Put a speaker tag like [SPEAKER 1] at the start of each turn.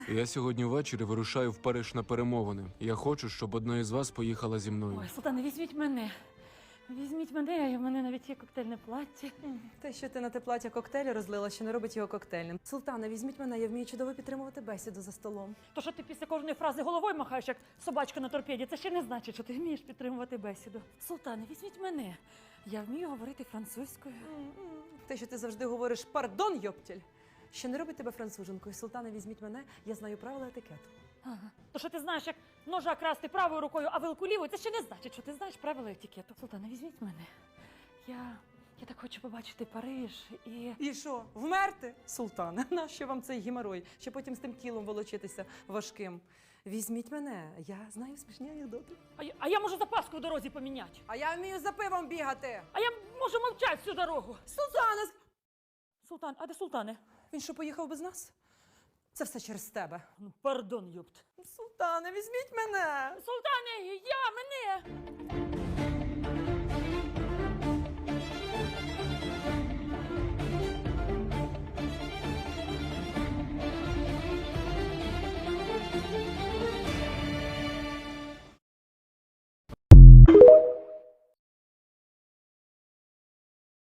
[SPEAKER 1] Я сьогодні ввечері вирушаю в Париж на перемовини. Я хочу, щоб одна із вас поїхала зі мною.
[SPEAKER 2] Ой, Султане, візьміть мене. Візьміть мене, в мене навіть є коктейльне плаття.
[SPEAKER 3] Те, що ти на те плаття коктейлі розлила, ще не робить його коктейльним. Султане, візьміть мене, я вмію чудово підтримувати бесіду за столом.
[SPEAKER 2] То, що ти після кожної фрази головою махаєш, як собачка на торпеді, це ще не значить, що ти вмієш підтримувати бесіду. Султане, візьміть мене. Я вмію говорити французькою.
[SPEAKER 3] Те, що ти завжди говориш «пардон, йоптіль», ще не робить тебе француженкою. Султане, візьміть мене, я знаю правила етикету.
[SPEAKER 2] Ага. То, що ти знаєш, як ножа красти правою рукою, а вилку лівою, це ще не значить, що ти знаєш правила етикету. Султане, візьміть мене. Я так хочу побачити Париж і...
[SPEAKER 3] І що, вмерти? Султане, нащо вам цей геморой? Ще потім з тим тілом волочитися важким. Візьміть мене, я знаю смішні анекдоти.
[SPEAKER 2] А я можу запаску в дорозі поміняти.
[SPEAKER 3] А я вмію за пивом бігати.
[SPEAKER 2] А я можу мовчати всю дорогу.
[SPEAKER 3] Султане!
[SPEAKER 2] Султан, а де Султане?
[SPEAKER 3] Він що, поїхав без нас? Це все через тебе.
[SPEAKER 2] Ну, пардон, юпт.
[SPEAKER 3] Султане, візьміть мене!
[SPEAKER 2] Султане, мене!